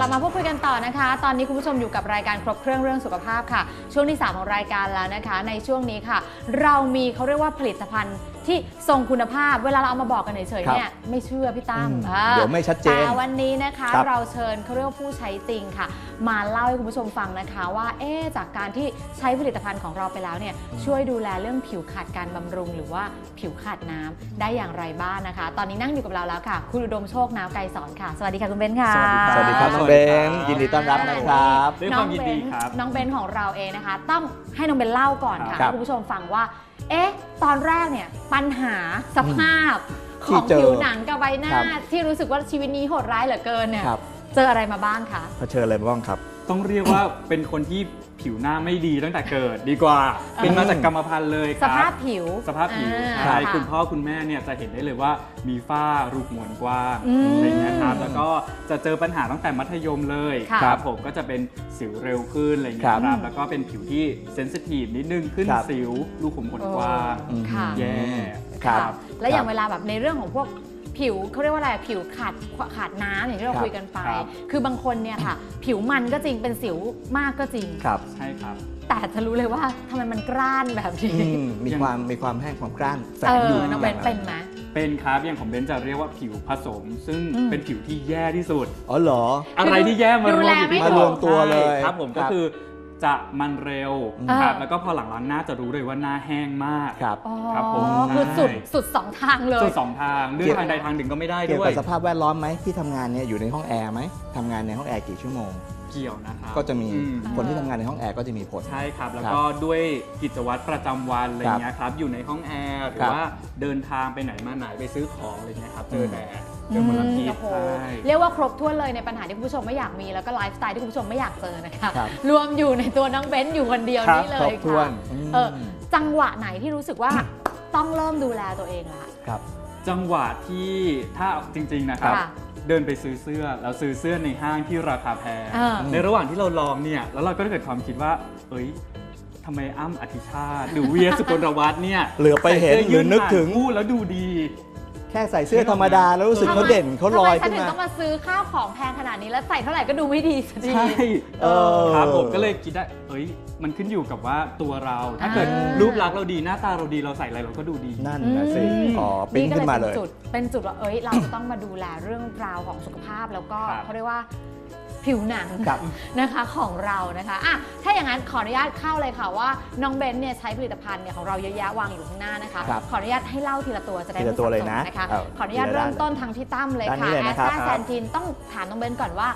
ลับมาพูดคุยกันต่อนะคะตอนนี้คุณผู้ชมอยู่กับรายการครบเครื่องเรื่องสุขภาพค่ะช่วงที่3ของรายการแล้วนะคะในช่วงนี้ค่ะเรามีเขาเรียกว่าผลิตภัณฑ์ที่ทรงคุณภาพเวลาเราเอามาบอกกันเฉยๆเนี่ยไม่เชื่อพี่ตั้มเดี๋ยวไม่ชัดเจนแต่วันนี้นะคะเราเชิญเขาเรียกว่าผู้ใช้จริงค่ะมาเล่าให้คุณผู้ชมฟังนะคะว่าจากการที่ใช้ผลิตภัณฑ์ของเราไปแล้วเนี่ยช่วยดูแลเรื่องผิวขาดการบำรุงหรือว่าผิวขาดน้ำได้อย่างไรบ้างนะคะตอนนี้นั่งอยู่กับเราแล้วค่ะคุณอุดมโชคน้าวไกรสอนค่ะสวัสดีค่ะคุณเบนค่ะสวัสดีครับน้องเบนยินดีต้อนรับนะครับด้วยความยินดีครับน้องเบนของเราเองนะคะต้องให้น้องเบนเล่าก่อนค่ะให้คุณผู้ชมฟังว่าตอนแรกเนี่ยปัญหาสภาพของผิวหนังกับใบหน้าที่รู้สึกว่าชีวิตนี้โหดร้ายเหลือเกินเนี่ยเจออะไรมาบ้างคะเผชิญอะไรมาบ้างครับต้องเรียกว่าเป็นคนที่ผิวหน้าไม่ดีตั้งแต่เกิดดีกว่าเป็นมาจากกรรมพันธุ์เลยครับสภาพผิวใช่คุณพ่อคุณแม่เนี่ยจะเห็นได้เลยว่ามีฝ้ารูขุมขนกว้างอะไรเงี้ยครับแล้วก็จะเจอปัญหาตั้งแต่มัธยมเลยครับผมก็จะเป็นสิวเร็วขึ้นอะไรเงี้ยครับแล้วก็เป็นผิวที่เซนซิทีฟนิดนึงขึ้นสิวรูขุมขนกว้างแย่ครับและอย่างเวลาแบบในเรื่องของพวกผิวเขาเรียกว่าอะไรผิวขาดน้ำอย่างที่เราคุยกันไปคือบางคนเนี่ยค่ะผิวมันก็จริงเป็นสิวมากก็จริงครับใช่ครับแต่จะรู้เลยว่าทำไมมันกร้านแบบนี้มีความแห้งความกร้านแฝงอยู่น้องเบนเป็นไหมเป็นครับอย่างของเบนจะเรียกว่าผิวผสมซึ่งเป็นผิวที่แย่ที่สุดอ๋อเหรออะไรที่แย่มารวมตัวเลยครับผมก็คือจะมันเร็วครับแล้วก็พอหลังล้างหน้าจะรู้เลยว่าหน้าแห้งมากครับผมคือสุด2ทางเลยสุด2ทางเลือกทางใดทางหนึ่งก็ไม่ได้ด้วยเกี่ยวกับสภาพแวดล้อมไหมที่ทำงานเนี่ยอยู่ในห้องแอร์ไหมทำงานในห้องแอร์กี่ชั่วโมงเกี่ยวนะครับก็จะมีคนที่ทำงานในห้องแอร์ก็จะมีผลใช่ครับแล้วก็ด้วยกิจวัตรประจำวันอะไรเงี้ยครับอยู่ในห้องแอร์หรือว่าเดินทางไปไหนมาไหนไปซื้อของอะไรเงี้ยครับเจอแดดเจอมลพิษเรียกว่าครบถ้วนเลยในปัญหาที่คุณผู้ชมไม่อยากมีแล้วก็ไลฟ์สไตล์ที่คุณผู้ชมไม่อยากเจอนะคะรวมอยู่ในตัวน้องเบนซ์อยู่คนเดียวนี่เลยค่ะจังหวะไหนที่รู้สึกว่าต้องเริ่มดูแลตัวเองละครับจังหวะที่ถ้าจริงๆนะครับเดินไปซื้อเสื้อแล้วซื้อเสื้อในห้างที่ราคาแพงในระหว่างที่เราลองเนี่ยแล้วเราก็เกิดความคิดว่าทำไมอ้ำอธิชาติหรือเวียสุกลวัฒน์เนี่ยเหลือไปเห็นหรือนึกถึงพูดแล้วดูดีแค่ใส่เสื้อธรรมดาแล้วรู้สึกเขาเด่นเขาลอยขึ้นมาทำไมฉันถึงต้องมาซื้อข้าวของแพงขนาดนี้แล้วใส่เท่าไหร่ก็ดูไม่ดีสักทีใช่ครับผมก็เลยคิดได้มันขึ้นอยู่กับว่าตัวเราถ้าเกิดรูปลักษณ์เราดีหน้าตาเราดีเราใส่อะไรเราก็ดูดีนั่นนะสิปิ้งขึ้นมาเลยเป็นจุดว่าเราจะต้องมาดูแลเรื่องราวของสุขภาพแล้วก็เขาเรียกว่าผิวหนังนะคะของเรานะคะถ้าอย่างนั้นขออนุญาตเข้าเลยค่ะว่าน้องเบนเนี่ยใช้ผลิตภัณฑ์เนี่ยของเราเยอะแยะวางอยู่ข้างหน้านะคะขออนุญาตให้เล่าทีละตัวจะได้ไม่สับสนนะคะขออนุญาตเริ่มต้นทางพี่ตั้มเลยค่ะแอสตาแซนทินต้องถามน้องเบนก่อนว่า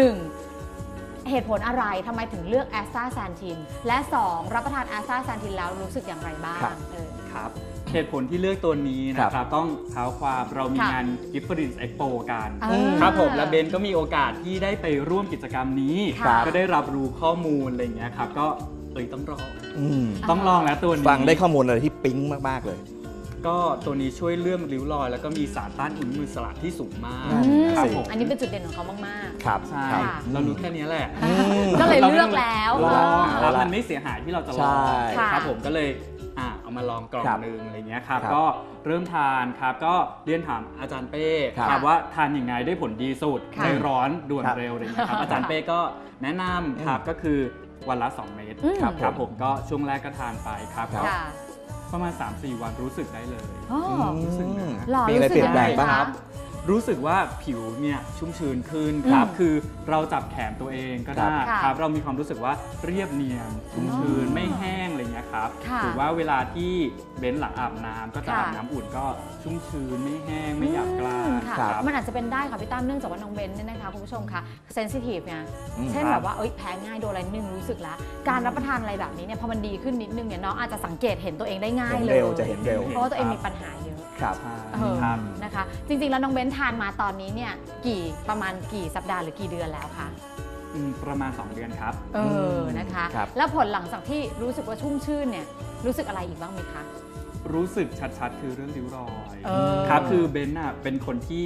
1เหตุผลอะไรทำไมถึงเลือกแอสตาแซนทินและ2รับประทานแอสตาแซนทินแล้วรู้สึกอย่างไรบ้างครับเหตุผลที่เลือกตัวนี้นะครับต้องเท้าความเรามีงาน Giftfriends Expo กันครับผมและเบนก็มีโอกาสที่ได้ไปร่วมกิจกรรมนี้ก็ได้รับรู้ข้อมูลอะไรอย่างเงี้ยครับก็ต้องลองแล้วตัวนี้ฟังได้ข้อมูลอะไรที่ปิ๊งมากๆเลยก็ตัวนี้ช่วยเลื่อมริ้วรอยแล้วก็มีสารต้านอนุมูลอิสระที่สูงมากครับผมอันนี้เป็นจุดเด่นของเขามากๆครับใช่เรารู้แค่นี้แหละก็เลยเลือกแล้วแล้วมันไม่เสียหายที่เราจะลองครับผมก็เลยเอามาลองกล่องนึงอะไรเงี้ยครับก็เริ่มทานครับก็เรียนถามอาจารย์เป้ครับว่าทานยังไงได้ผลดีสุดในร้อนด่วนเร็วอะไรเงี้ยครับอาจารย์เป้ก็แนะนำครับก็คือวันละ2 เม็ดครับผมก็ช่วงแรกก็ทานไปครับประมาณ 3-4 วันรู้สึกได้เลยรู้สึกมีอะไรเปลี่ยนแปลงบ้างครับรู้สึกว่าผิวเนี่ยชุ่มชื้นขึ้นครับคือเราจับแขนตัวเองก็ได้ครับเรามีความรู้สึกว่าเรียบเนียนชุ่มชื้นไม่แห้งอะไรเงี้ยครับหรือว่าเวลาที่เบ้นหลังอาบน้ำก็จะอาบน้ำอุ่นก็ชุ่มชื้นไม่แห้งไม่หยาบกร้านมันอาจจะเป็นได้ค่ะพี่ตั้มเนื่องจากว่าน้องเบนเนี่ยนะคะคุณผู้ชมคะเซนซิทีฟไงเช่นแบบว่าแพ้ง่ายโดนอะไรนิดนึงรู้สึกแล้วการรับประทานอะไรแบบนี้เนี่ยพอมันดีขึ้นนิดนึงเนี่ยน้องอาจจะสังเกตเห็นตัวเองได้ง่ายเลยจะเห็นเร็วเพราะว่าตัวเองมีปัญหาเยอะครับนะคะจริงๆแล้วน้องเบนทานมาตอนนี้เนี่ยประมาณกี่สัปดาห์หรือกี่เดือนแล้วคะประมาณ2 เดือนครับนะคะแล้วผลหลังจากที่รู้สึกว่าชุ่มชื่นเนี่ยรู้สึกอะไรอีกบ้างไหมคะรู้สึกชัดๆคือเรื่องริ้วรอยครับคือเบนเป็นคนที่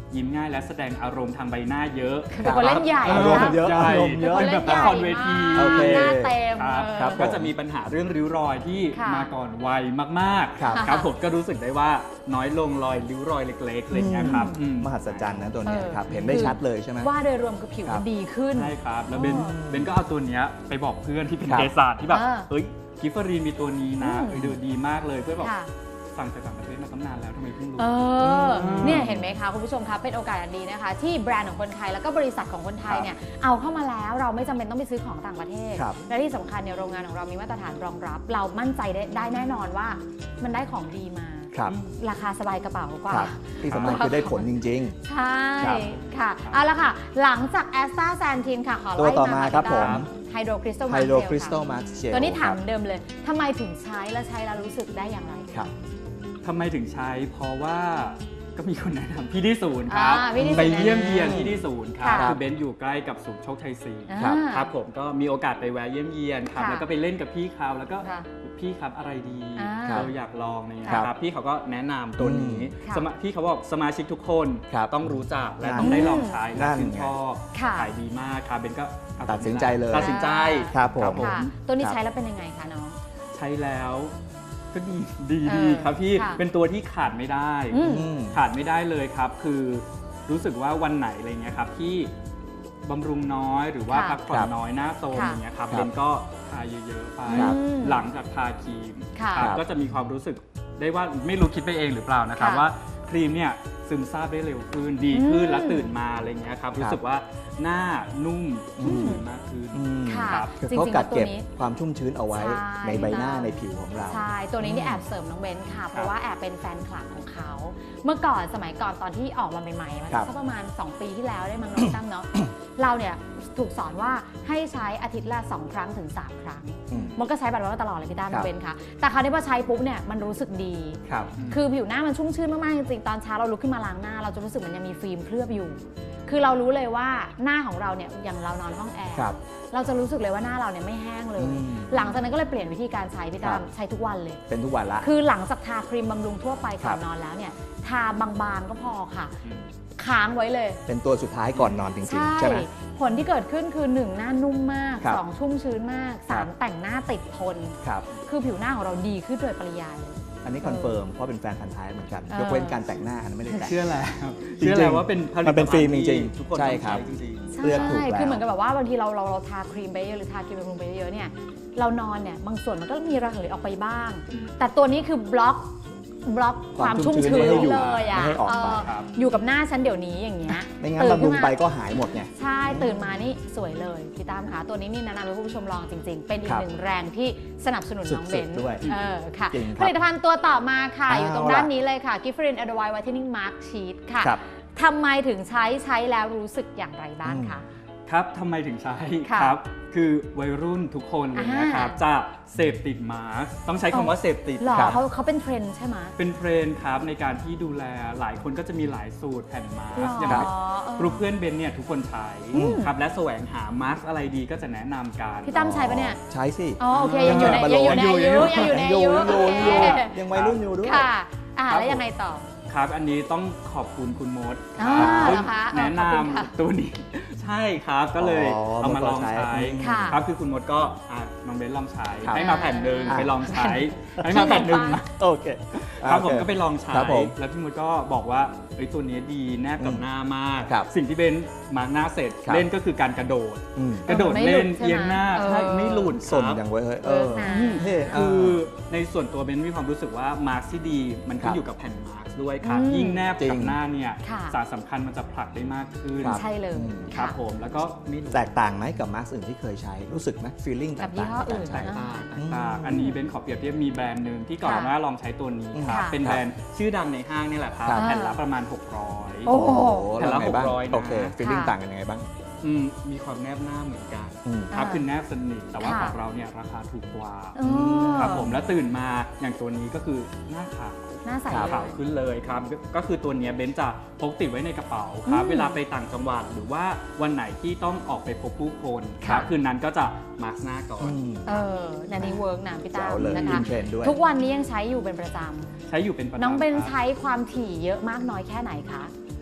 ยิ้มง่ายและแสดงอารมณ์ทางใบหน้าเยอะเป็นคนเล่นใหญ่อารมณ์เยอะใหญ่อารมณ์เยอะเป็นแบบละครเวทีโอเคหน้าเต็มครับครับก็จะมีปัญหาเรื่องริ้วรอยที่ค่ะมาก่อนวัยมากครับๆครับผมก็รู้สึกได้ว่าน้อยลงรอยริ้วรอยเล็กๆอะไรอย่างเงี้ยครับมหัศจรรย์นะตัวเนี้ยเออครับ เห็นได้ชัดเลยใช่ไหมว่าโดยรวมคือผิวครัมันบดีขึ้นใช่ครับ แล้วเบนอ๋อเบนก็เอาตัวเนี้ยไปบอกเพื่อนที่เป็นครับเภสัชที่แบบอ่าเอ้ยกิฟเฟอรีนมีตัวนี้นะอืมดูดีมากเลยเพื่อนบอกค่ะสั่งจากต่างประเทศมาตั้งนานแล้วทำไมเพิ่งรู้เนี่ยเห็นไหมคะคุณผู้ชมคะเป็นโอกาสอันดีนะคะ ที่แบรนด์ของคนไทยแล้วก็บริษัทของคนไทยเนี่ยเอาเข้ามาแล้วเราไม่จำเป็นต้องไปซื้อของต่างประเทศครับและที่สำคัญเนี่ยโรงงานของเรามีมาตรฐานรองรับ เรามั่นใจได้แน่นอนว่ามันได้ของดีมาครับราคาสบายกระเป๋ากว่าครับที่สำคัญคือได้ผลจริงใช่ครับค่ะเอาละค่ะ หลังจากแอสตาแซนทีนค่ะขอตัวไล่ต่อมาครับผมไฮโดรคริสตัลๆ ไฮโดรคริสตัลมาร์เชลตัวนี้ถามเดิมเลยทำไมถึงใช้และใช้แล้วรู้สึกได้อย่างไรครับทำไมถึงใช้ เพราะว่าก็มีคนแนะนำพี่ที่ศูนย์ครับพี่ที่ศูนย์ไปเยี่ยมเยียนที่ที่ศูนย์ครับค่ะคือเบนซ์อยู่ใกล้กับศูนย์โชคชัย4 ครับครับผมก็มีโอกาสไปแวะเยี่ยมเยียนครับค่ะแล้วก็ไปเล่นกับพี่เขาแล้วก็ค่ะพี่ครับอะไรดีครับเราอยากลองเนี่ยครับครับพี่เขาก็แนะนำตัวนี้ค่ะพี่เขาบอกสมาชิกทุกคนครับต้องรู้จักและนั่นต้องได้ลองใช้และนั่นชื่นชอบค่ะขายดีมากครับเบนก็เอาตัดสินใจเลยตัดสินใจครับผมค่ะตัวนี้ครับใช้แล้วเป็นยังไงคะน้องใช้แล้วก็ดีเออครับพี่ค่ะเป็นตัวที่ขาดไม่ได้อืมอืมขาดไม่ได้เลยครับ คือรู้สึกว่าวันไหนอะไรเงี้ยครับที่บำรุงน้อยหรือว่าค่ะพักผ่อนน้อยหน้าโซมค่ะอย่างเงี้ยครับครับเบนก็ทาเยอะๆไปครับหลังจากทาครีมค่ะครับครับก็จะมีความรู้สึกได้ว่าไม่รู้คิดไปเองหรือเปล่านะครับค่ะว่าครีมเนี่ยซึมซาบได้เร็วขึ้นดีขึ้นอืมและตื่นมาอะไรเงี้ยครับรู้สึกว่าหน้านุ่มชุ่มชื้นมากขึ้นอืมค่ะครับคือจริงๆเขากัดเก็บแล้วตัวนี้ความชุ่มชื้นเอาไว้ใช่ในใบหน้าพี่ตั้มในผิวของเราใช่ ตัวนี้นี่แอบเสริมน้องเบนซ์ค่ะ เพราะว่าแอบเป็นแฟนคลับของเขา เมื่อก่อนสมัยก่อนตอนที่ออกมาใหม่ๆมันครับสักประมาณ 2 ปีที่แล้วได้มั้งน้องตั้มเนาะ เราเนี่ยถูกสอนว่าให้ใช้อาทิตย์ละ 2 ครั้งถึง 3 ครั้งอืมมันก็ใช้แบบนั้นมาตลอดเลยพี่ตั้มครัน้อบ งเบนซ์ค่ะ แต่คราวนี้พอใช้ปุ๊บเนี่ยมันรู้สึกดีครับคือผิวหน้ามันชุ่มชื่นมากๆจริงๆ ตอนเช้าเราลุกขึ้นมาล้างหน้า เราจะรู้สึกมันยังมีฟิล์มเคลือบอยู่ คือเรารู้เลยว่าหน้าของเราเนี่ยอย่างเรานอนห้องแอร์ครับเราจะรู้สึกเลยว่าหน้าเราเนี่ยไม่แห้งเลยอืมหลังจากนั้นก็เลยเปลี่ยนวิธีการใช้พี่ครัตั้บมใช้ทุกวันเลยเป็นทุกวันละคือหลังจากทาครีมบำรุงทั่วไปก่อนครับนอนแล้วเนี่ยทาบางๆก็พอค่ะ ค้างไว้เลยเป็นตัวสุดท้ายก่อนนอนจริงๆ ใช่ไหมผลที่เกิดขึ้นคือ 1 หน้านุ่มมากครับ 2 ชุ่มชื้นมากครับ 3 แต่งหน้าติดทนครับคือผิวหน้าของเราดีขึ้นโดยปริยายเลยอันนี้คอนเฟิร์มเพราะเป็นแฟนพันธ์แท้เหมือนกัน ยกเว้นการแต่งหน้าอันนั้นไม่ได้แต่งเชื่อแล้วจริงๆเชื่อแล้วว่าเป็นผลิตมันเป็นฟิล์มภัณฑ์จริงๆที่ทุกคนใช่ต้องครับจริงใช่เลือกถูกแล้วคือเหมือนกับแบบว่าบางทีเราทาครีมไปเยอะหรือทาครีมบำรุงไปเยอะเนี่ย เรานอนเนี่ยบางส่วนมันก็มีระเหยออกไปบ้าง แต่ตัวนี้คือบล็อกความชุ่มชื้นไม่ให้อยู่เลยอ่ะไม่ให้ออกไปครับอยู่กับหน้าฉันเดี๋ยวนี้อย่างเงี้ยไม่งั้นตื่บำรุงขึ้นมาไปก็หายหมดไงใช่ตื่นมานี่สวยเลยพี่ตามคะตัวนี้นี่แนะนำให้คุณผู้ชมลองจริง ๆ เป็นอีคกรับหนึ่งแรงที่สนับสนุนน้องเบนสุดๆด้วยค่ะจริงคผรับลิตภัณฑ์ตัวต่อมาค่ะ อยู่ตรงเอาล่ะด้านนี้เลยค่ะ Giffrin Advanced Whitening Mask Sheet ค่ะครับทำไมถึงใช้แล้วรู้สึกอย่างไรบ้างคะครับทำไมถึงใช้ค่ะครับ คือวัยรุ่นทุกคนเลยนะครับ จะเสพติดมาสก์ต้องใช้คำว่าเสพติดหรอครับเขาเป็นเทรนด์ใช่ไหมเป็นเทรนด์ครับในการที่ดูแลหลายคนก็จะมีหลายสูตรแผ่นมาสก์หรออย่างเออกรุ๊ปเพื่อนเบนเนี่ยทุกคนใช้อืมครับและแสวงหามาสก์อะไรดีก็จะแนะนำกันพี่ตั้มใช้ปะเนี่ยใช้สิอ๋อโอเคยังอยู่ในอายุยังอยู่ในอายุยังอยู่โอเคยังวัยรุ่นอยู่ด้วยค่ะครับแล้วยังไงต่อครับอันนี้ต้องขอบคุณคุณมดอ่าซึ่งเหรอคะอ๋อแนะนขอบคุณค่ะำตัวนี้ ใช่ครับก็เลยอ๋อเอามาลองมดก็ใช้ใช้ค่ะครับคือคุณมดก็น้องเบนลองใช้ครับให้มาแผ่นหนึ่งอ่าไปลองใช้ให้มาแผ่นหนึ่งโอเคครับผมโอเก็ไปลองใช้ครับผมแล้วพี่มดก็บอกว่าเอ้ยตัวนี้ดีแนบกับหน้ามากครับสิ่งที่เบนมาร์กหน้าเสร็จครับเล่นก็คือการกระโดดอืมกระโดดไม่หลุเล่ดนใช่ไหมเอียงหน้าเออใช่ไม่หลุดสนครับอย่างเว้ยเฮ้ยเออนะเท่คือในส่วนตัวเบนมีความรู้สึกว่ามาร์กที่ดีมันขึ้ครันบอยู่กับแผ่นมาร์กด้วยครับอืมยิ่งแนบจริกับงหน้าเนี่ยค่ะสารสำคัญมันจะผลักได้มากขึ้นครับใช่เลยครัค่ะบผมแล้วก็ไม่หลุดแตกต่างไหมกับมาสก์อื่นที่เคยใช้ รู้สึกไหมฟีลลิ่งกับยี่ต่างห้อๆอื่นใช้แตกต่างอืมอันนี้เบนขอเปรียบเทียบมีแบรนด์หนึ่งที่ก่อนหน้าลองใช้ตัวนี้ครับค่ะเป็นแบรนด์ชื่อดังในห้างนี่แหละครับครับแผ่นละประมาณ 600 โอ้โหแล้แผ่วนละไงบ้าง 600นะโอเคฟีลลิ่งค่ะต่างกันยังไงบ้างมีความแนบหน้าเหมือนกันอืมครับอ่าคือแนบสนิทแต่ว่าค่ะของเราเนี่ยราคาถูกกว่าอ๋อครับผมแล้วตื่นมาอย่างตัวนี้ก็คือหน้าขาวหน้าใสครับเลขาวย ขึ้นเลยครับก็คือตัวเนี้ยเบนจะพกติดไว้ในกระเป๋าครับอืมเวลาไปต่างจังหวัดหรือว่าวันไหนที่ต้องออกไปพบผู้คนคค่ะรับคืนนั้นก็จะมาร์กหน้าก่อนนันนี้เวิร์กนะพี่ตาแจ๋มวเลยนะคะอินเทรนด์ด้วยทุกวันนี้ยังใช้อยู่เป็นประจใช้อยู่เป็นประจำำน้องเบนครับใช้ความถี่เยอะมากน้อยแค่ไหนคะ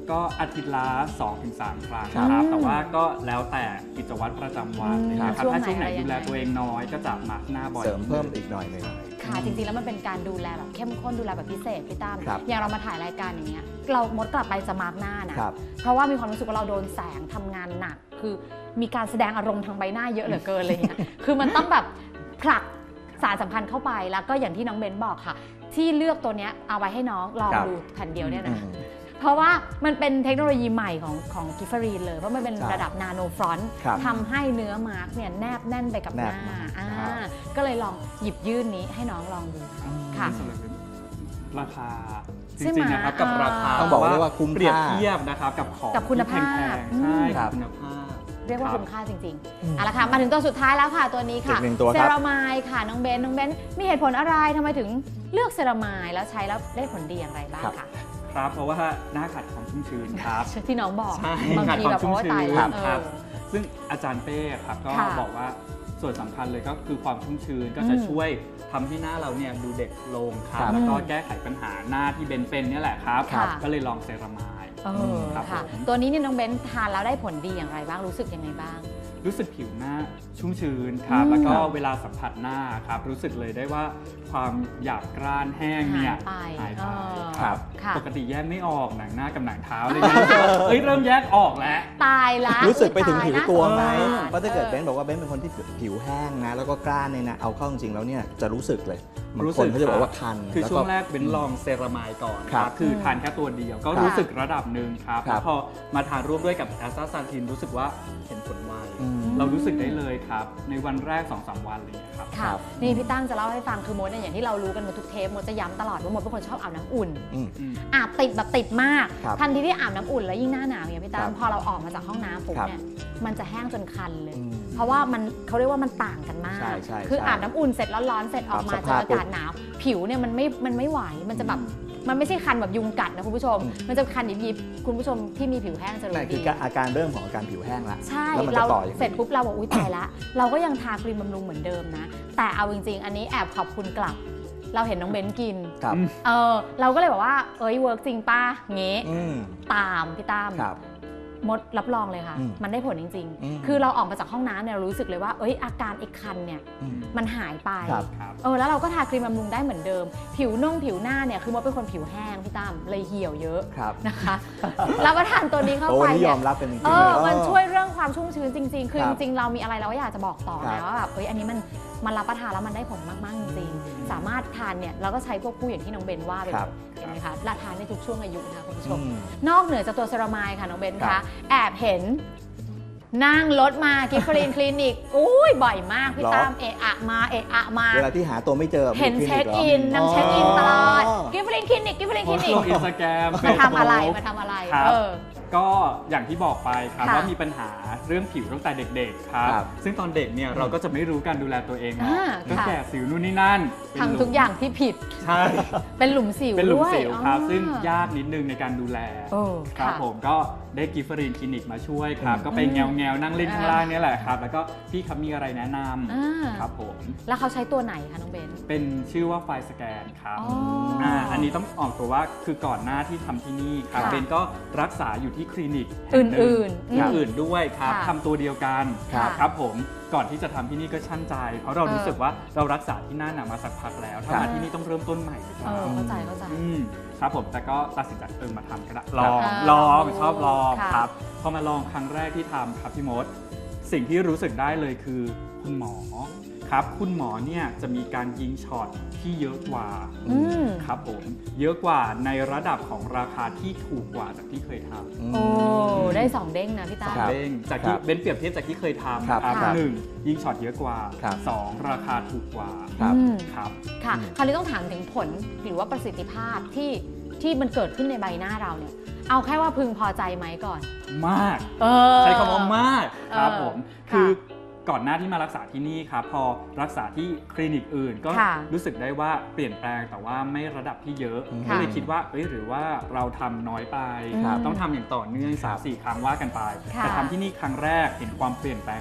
ก็อาทิตย์ละ 2-3 ครั้งครับครับแต่ว่าก็แล้วแต่กิจวัตรประจำวันนะครับช่วงถ้าช่วงไหนไหนดูแลตัวเองน้อยก็จะมาร์กหน้าบ่อยเสริมเพิ่มอีกหน่อยหนึ่งค่ะจริงๆแล้วมันเป็นการดูแลแบบเข้มข้นดูแลแบบพิเศษพี่ตั้มครับอย่างเรามาถ่ายรายการอย่างเงี้ยเรามดกลับไปจะมาร์กหน้านะครับเพราะว่ามีความรู้สึกว่าเราโดนแสงทำงานหนัก คือมีการแสดงอารมณ์ทางใบหน้าเยอะเหลือเกินอะไรเงี้ย คือมันต้องแบบผลักสารสัมพันธ์เข้าไปแล้วก็อย่างที่น้องเบนบอกค่ะ ที่เลือกตัวเนี้ยเอาไว้ให้น้องลองครับดูแผ่นเดียวเนี่ยอืนะมเพราะว่ามันเป็นเทคโนโลยีใหม่ของกิฟเฟอรีนเลยเพราะมันเป็นใช่ระดับนาโนฟรอนต์ครับทำให้เนื้อมาร์กเนี่ยแนบแน่นไปกับหน้าแนบมากอ่าก็เลยลองหยิบยื่นนี้ให้น้องลองดูค่ะราคาจใช่ไหมริงๆนะครับกับราคาต้องบอกเลยว่าคุ้มค่าเปรียบเทียบนะครับกับของกับคุณภาพที่แพงๆใช่ครับคุณภาพเรียกว่าครับคุ้มค่าจริงๆเอาละค่ะมาถึงตัวสุดท้ายแล้วค่ะตัวนี้ค่ะอีกหนึ่งตัวครับเซรามายค่ะน้องเบนมีเหตุผลอะไรทำไมถึงเลือกเซรามายแล้วใช้แล้วได้ผลดีอย่างไรบ้างคะครับเพราะว่าหน้าขัดความชุ่มชื้นครับที่น้องบอกใช่บางขาดทีความแบบชุ่มโอ้ชื้ตายนแล้วครับซึ่งอาจารย์เป้ครับก็ค่ะบอกว่าส่วนสำคัญเลยก็คือความชุ่มชื้นก็จะช่วยทำให้หน้าเราเนี่ยดูเด็กลงครับครับแล้วก็แก้ไขปัญหาหน้าที่เป็นเนี่ยแหละครับค่ะก็เลยลองเซรามาย ครับค่ะผมตัวนี้เนี่ยน้องเบนทานแล้วได้ผลดีอย่างไรบ้างรู้สึกยังไงบ้างรู้สึกผิวหน้าชุ่มชื้นครับ แล้วก็เวลาสัมผัสหน้าครับรู้สึกเลยได้ว่าความหยาบกร้านแห้งเนี่ยหายไปครับค่ะปกติแยกไม่ออกหนังหน้ากับหนังเท้าอะไรเงี้ยเอ้ยเริ่มแยกออกแล้วตายละรู้สึกไปถึงผิวตัวไหมตายละเพราะถ้าเกิดเบนบอกว่าเบนเป็นคนที่ผิวแห้งนะ แล้วก็กล้านเนี่ยนะ เอาเข้าจริงๆแล้วเนี่ยจะรู้สึกเลยบางรู้คสึนกเขาจะบอกว่าคันคือล้วช่วงแรกเป็นลองเซรามายก่อนครับคือทานแค่ตัวเดียวก็ครับรู้สึกระดับหนึ่งครับครับแล้วพอมาทานร่วมด้วยกับแอสตาซานทินรู้สึกว่าเห็นผลไวอืมเรารู้สึกได้เลยครับ ในวันแรก 2-3 วันอะไรอย่างเลยครับค่ะครับนี่พี่ตั้งจะเล่าให้ฟังคือมดเนี่ยอย่างที่เรารู้กันมาทุกเทปมดจะย้ำตลอดว่ามดเป็นคนชอบอาบน้ำอุ่นอืมอาบติดแบบติดมากครับทันทีที่อาบน้ำอุ่นแล้วยิ่งหน้าหนาวเนี่ยพี่ตั้ครังบพอเราออกมาจากห้องน้ำปุ๊บครับเนี่ยมันจะแห้งจนคันเลยอืมเพราะว่ามันเขาเรียกว่ามันต่างกันมากใช่ใช่คือใช่อาบน้ำอุ่นเสร็จร้อนๆเสร็จออกมาปรับสเจอภาพอากาศหนาว ผิวเนี่ยมันไม่ไหวมันจะแบบมันไม่ใช่คันแบบยุงกัดนะคุณผู้ชม มันจะคันยิบๆคุณผู้ชมที่มีผิวแห้งจะรู้นั่นคืดีออาการเริ่มของอาการผิวแห้งละใช่แล้วมันจะเราต่ออย่างนี้เสร็จปุ๊บเราบอกอุ้ยตายละ เราก็ยังทาครีมบำรุงเหมือนเดิมนะ แต่เอาจริงๆ อันนี้แอบขอบคุณกลับ เราเห็นน้องเบนกินครับเราก็เลยบอกว่าเอ้ยเวิร์กจริงป้าเงี้อืมตามพี่ตั้มครับมดรับรองเลยค่ะอืมมันได้ผลจริงอืมๆ คือเราออกมาจากห้องน้ำเนี่ยเรารู้สึกเลยว่าเอ้ยอาการไอ้คันเนี่ยอืมมันหายไปครับครับแล้วเราก็ทาครีมบำรุงได้เหมือนเดิม ผิวผิวหน้าเนี่ยคือมดเป็นคนผิวแห้งพี่ตั้มเลยเหี่ยวเยอะครับนะคะเราก็ทานตัวนี้เข้าโอ้ไปวันนี้ยเนี่อย มรับเป็นจริงๆเอเลยอมันช่วยเรื่องความชุ่มชื้นจริง ๆ คือคจรับริงๆ เรามีอะไรเราก็อยากจะบอกต่อครับนะว่าแบบเอ้ยอันนี้มันรับประทานแล้วมันได้ผลมากๆจริงๆสามารถทานเนี่ยเราก็ใช้ควบคู่อย่างที่น้องเบนว่าไปครับเห็นไหมคะและทานได้ทุกช่วงอายุนะคะคุณผู้ชอืมมนอกเหนือจากตัวเซรามายค่ะน้องเบนครัคะบแอบเห็นนั่งรถมากิฟฟรีนคลินิกอุ้ยบ่อยมากพี่หรอตามเอะอะมาเอะอะมาเวลาที่หาตัวไม่เจอเห็นมีเช็คลิอินหรนางเช็คอินตลอดอ๋อกิฟฟรีนคลินิกกิฟฟรีนโพคลิสต์นิกลงอินสตาแกรมมาทำอะไรมาทำอะไรครับ ก็อย่างที่บอกไปครับค่ะว่ามีปัญหาเรื่องผิวตั้งแต่เด็กๆครับครับซึ่งตอนเด็กเนี่ยเราก็จะไม่รู้การดูแลตัวเองเนาะอ่าก็ค่ะแก่สิวนู่นนี่นั่นเป็นหลุมทำทุกอย่างที่ผิดใช่เป็นหลุมสิวเป็นหลุมด้วยสิวครับอ๋อซึ่งยากนิดนึงในการดูแลโอ้ครับค่ะผมก็ได้กิฟเฟอรีนคลินิกมาช่วยครับอืมก็ไปแงวๆนั่งเล่นข้างล่างเนี่ยแหละครับ แล้วก็พี่ครับมีอะไรแนะนอ่าำครับผมแล้วเขาใช้ตัวไหนคะน้องเบนเป็นชื่อว่าไฟล์สแกนครับอ๋ออ่อันนี้ต้องออกตัวว่าคือก่อนหน้าที่ทำที่นี่ครับค่ะเบนก็รักษาอยู่ที่คลินิกอื่นๆแห่งหนึ่งอื่นด้วยครับค่ะทำตัวเดียวกันครับครับผมก่อนที่จะทำที่นี่ก็ชั่นใจ เพราะเรารู้สึกว่าเรารักษาที่นั่นน่ะมาสักพักแล้วถ้าครับมาที่นี่ต้องเริ่มต้นใหม่หรือเปล่าเข้าใจครับผมแต่ก็ตัดสินใจมาทำก็ได้ลครัอบ งอ่าลองลองดูชอบลองค่ะครับพอมาลองครั้งแรกที่ทำครับพี่มดสิ่งที่รู้สึกได้เลยคือคุณหมอครับคุณหมอเนี่ยจะมีการยิงช็อตที่เยอะกว่าอืมครับผมเยอะกว่าในระดับของราคาที่ถูกกว่าจากที่เคยทำอืมโอ้ได้สองเด้งนะพี่ตาครับเด้งจากที่ครับเบนเปรียบเทียบจากที่เคยทำครับครับค่ะหนึ่งยิงช็อตเยอะกว่าครับสองราคาถูกกว่าครับอืมครับค่ะอืมคราวนี้ต้องถามถึงผลหรือว่าประสิทธิภาพที่มันเกิดขึ้นในใบหน้าเราเนี่ย เอาแค่ว่าพึงพอใจไหมก่อนมากเออใช้คำว่ามากครับเออผมค่ะคือก่อนหน้าที่มารักษาที่นี่ครับพอรักษาที่คลินิกอื่นก็ค่ะรู้สึกได้ว่าเปลี่ยนแปลงแต่ว่าไม่ระดับที่เยอะค่ะก็เลยคิดว่าหรือว่าเราทำน้อยไปครับต้องทำอย่างต่อเนื่อง 3-4 ครั้งว่ากันไปค่ะแต่ทำที่นี่ครั้งแรกเห็นความเปลี่ยนแปลงเลย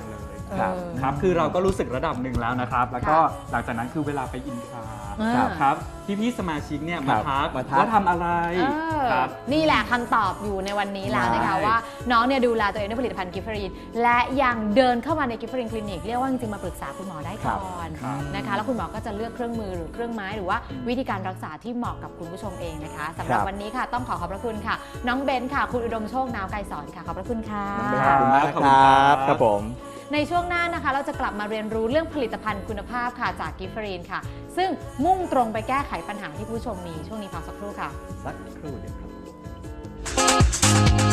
ครับครับคือเราก็รู้สึกระดับหนึ่งแล้วนะครับ แล้วก็หลังจากนั้นคือเวลาไปอินทรา ครับพี่สมาชิกเนี่ยมาทักว่าทำอะไรครับนี่แหละคำตอบอยู่ในวันนี้แล้วนะคะว่าน้องเนี่ยดูแลตัวเองด้วยผลิตภัณฑ์กิฟเฟอรีนและยังเดินเข้ามาในกิฟเฟอรีนคลินิกเรียกว่าจริงๆมาปรึกษาคุณหมอได้ก่อนนะคะแล้วคุณหมอก็จะเลือกเครื่องมือหรือเครื่องไม้หรือว่าวิธีการรักษาที่เหมาะกับคุณผู้ชมเองนะคะสำหรับวันนี้ค่ะต้องขอบพระคุณค่ะน้องเบนค่ะคุณอุดมโชคนาวไกรสอนค่ะขอบพระคุณค่ะขอบคุณมากครับครับผมในช่วงหน้านะคะเราจะกลับมาเรียนรู้เรื่องผลิตภัณฑ์คุณภาพค่ะจากกิฟเฟอรีนค่ะซึ่งมุ่งตรงไปแก้ไขปัญหาที่ผู้ชมมีช่วงนี้พักสักครู่ค่ะสักครู่เดียวครับ